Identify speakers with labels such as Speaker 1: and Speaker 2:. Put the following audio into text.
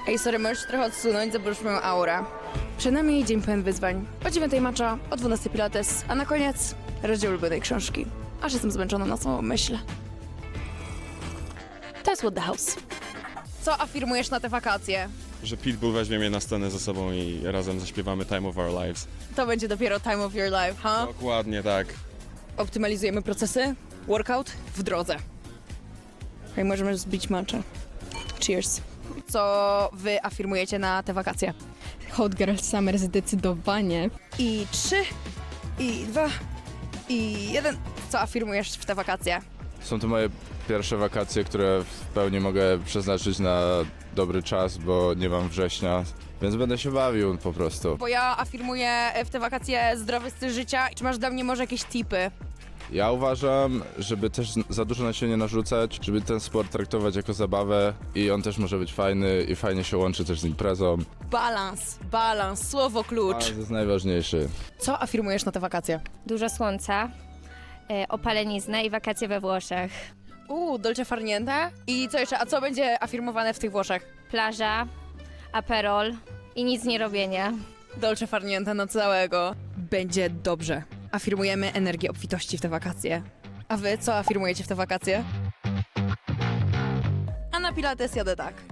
Speaker 1: Ej, sorry, możesz trochę odsunąć, zaburz moją aurę. Przed nami dzień pełen wyzwań. O 9 matcha, o 12 pilates, a na koniec rozdział ulubionej książki. Aż jestem zmęczona na samą myśl. To jest What the House. Co afirmujesz na te wakacje?
Speaker 2: Że Pitbull weźmie mnie na scenę ze sobą i razem zaśpiewamy Time of Our Lives.
Speaker 1: To będzie dopiero time of your life, ha?
Speaker 2: Dokładnie tak.
Speaker 1: Optymalizujemy procesy. Workout w drodze. Hej, możemy zbić matcha. Cheers. Co wy afirmujecie na te wakacje?
Speaker 3: Hot Girl Summer zdecydowanie.
Speaker 1: I 3, i 2, i 1. Co afirmujesz w te wakacje?
Speaker 4: Są to moje pierwsze wakacje, które w pełni mogę przeznaczyć na dobry czas, bo nie mam września, więc będę się bawił po prostu.
Speaker 1: Bo ja afirmuję w te wakacje zdrowy styl życia. Czy masz dla mnie może jakieś tipy?
Speaker 4: Ja uważam, żeby też za dużo na siebie nie narzucać, żeby ten sport traktować jako zabawę i on też może być fajny i fajnie się łączy też z imprezą.
Speaker 1: Balans, słowo klucz.
Speaker 4: Ale to jest najważniejszy.
Speaker 1: Co afirmujesz na te wakacje?
Speaker 5: Dużo słońca, opalenizna i wakacje we Włoszech.
Speaker 1: Dolce farniente. I co jeszcze? A co będzie afirmowane w tych Włoszech?
Speaker 5: Plaża, aperol i nic nie robienie.
Speaker 1: Dolce farniente na całego. Będzie dobrze. Afirmujemy energię obfitości w te wakacje. A wy co afirmujecie w te wakacje? A na pilates jadę tak.